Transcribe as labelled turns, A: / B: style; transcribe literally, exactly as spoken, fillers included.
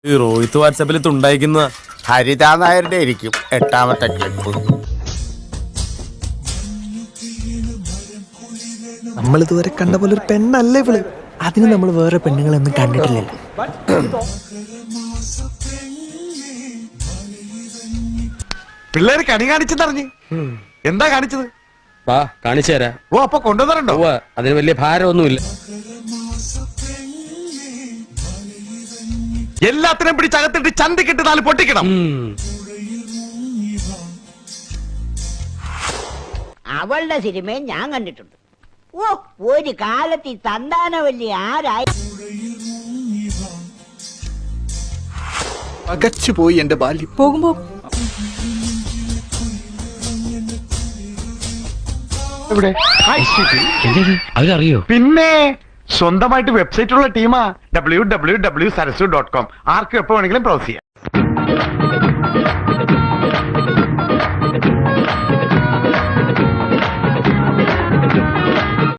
A: ഈ റോഹിത്ത് വാട്സാപ്പിൽ തുണ്ടായിരിക്കുന്ന
B: ഹരിതാ നായരുടെ ആയിരിക്കും എട്ടാമത്തെ ക്ലിപ്പ്.
C: നമ്മൾ ഇതുവരെ കണ്ട പോലെ ഒരു പെണ്ണല്ലേ ഇവള്. അതിന് നമ്മൾ വേറെ പെണ്ണുങ്ങളൊന്നും കണ്ടിട്ടില്ലല്ലോ.
D: പിള്ളേര് കണി കാണിച്ചെന്നറിഞ്ഞ് എന്താ കാണിച്ചത്?
E: വാ കാണിച്ചു തരാം.
D: ഓ അപ്പൊ കൊണ്ടുവന്നിട്ടുണ്ടോ?
E: അതിന് വലിയ ഭാരമൊന്നുമില്ല.
D: എല്ലാത്തിനും പിടിച്ചകത്തിട്ട് ചന്തിക്കിട്ട് നാല് പൊട്ടിക്കണം.
F: അവളുടെ സിനിമയും ഞാൻ കണ്ടിട്ടുണ്ട്. ഓ ഒരു കാലത്ത് ഈ സന്താനവല്ലി ആരായി
C: അകച്ചുപോയി എന്റെ ബാല്യം.
G: പോകുമ്പോ
E: അവരറിയോ?
D: പിന്നെ സ്വന്തമായിട്ട് വെബ്സൈറ്റ് ഉള്ള ടീമാ. W W W Sarasu dot com. ആർക്കും എപ്പോ വേണമെങ്കിലും ബ്രൗസ് ചെയ്യാം.